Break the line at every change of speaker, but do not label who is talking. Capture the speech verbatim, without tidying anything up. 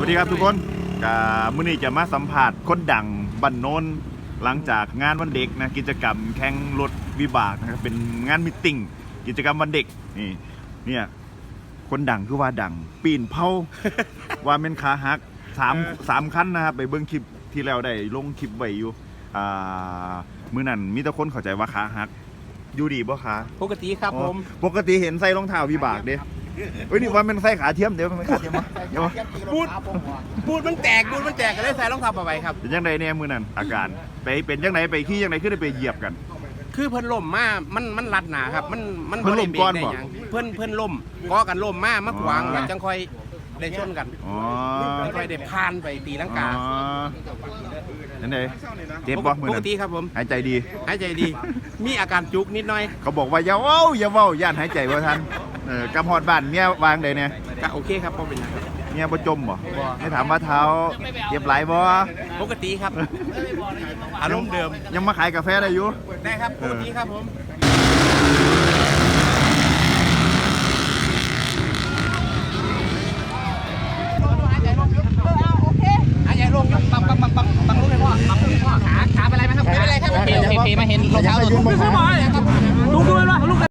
วัสดีครับทุกคนกับมื้อนี้จะมาสัมผัสคนดังบ้านโน้นหลังจากงานวันเด็กนะกิจกรรมแข่งรถวิบากนะครับเป็นงานมิทติ้งกิจกรรมวันเด็กนี่เนี่ยคนดังคือว่าดังปีนเผา ว่าเป็นขาหักสามสามขั้นนะครับไปเบิ้งคลิปที่แล้วได้ลงคลิปไว้อยู่อ่ามื้อนั้นมีแต่คนเข้าใจว่าขาหักอยู่ดีบ่ขา
ปกติครับผม
ปกติเห็นใส่รองเท้าวิบากเด้เฮ้ยนี่ว่ามันใส่ขาเทียมเดี๋ยวมันขาเทียมมั้ยเดี๋ยว
บูดบูดมันแตกบูดมันแตกก็เลยใส่รองเท้าผ้าใบครับ
เป็นยังไงเนี่ยมื้อนั้นอาการไปเป็นยังไงไปขี้ยังไงขึ้นได้ไปเหยียบกัน
คือเพิ่นล่มมามันมันรัดหนาครับมันมัน
เพิ่นล่มก่อนบ่
ได้หยังเพิ่นเพิ่นล่มก่อกันล่มมามาขวาง
อ๋อ
แล้วจังค่อยได้ชนกัน
อ๋อ
จังค่อยได้ผ่านไปตีลังกา
อ๋อนั่นเองเจ็บบ่มื้อ
ปก
นั้น
ติครับผม
หายใจดี
หายใจดี มีอาการจุกนิดหน่อย
เขาบอกว่าอย่าเว้าอย่าเว้าย่านหายใจบ่ทันเออกำฮอดบ้านเมียวางได้เนี่ย
ก็โอเคครับบ่เป็นหยังครับ
เมียบ่จมบ่
บ่
ให้ถามว่าเท้าเจ็บหลายบ่
ปกติครับ อารมณ์เดิม
ยังมาขายกาแฟได้อยู่
ได้ครับปกติครับผมหายใจลงยกปังปังปังปังปังลงเลยพ่อปังลงเลยพ่อขาขาเป็นไรไหมครับไม่เป็นไรครับโอเคโอเคมาเห็นรองเท้าตัวลูกดูดูเลยว่าลูก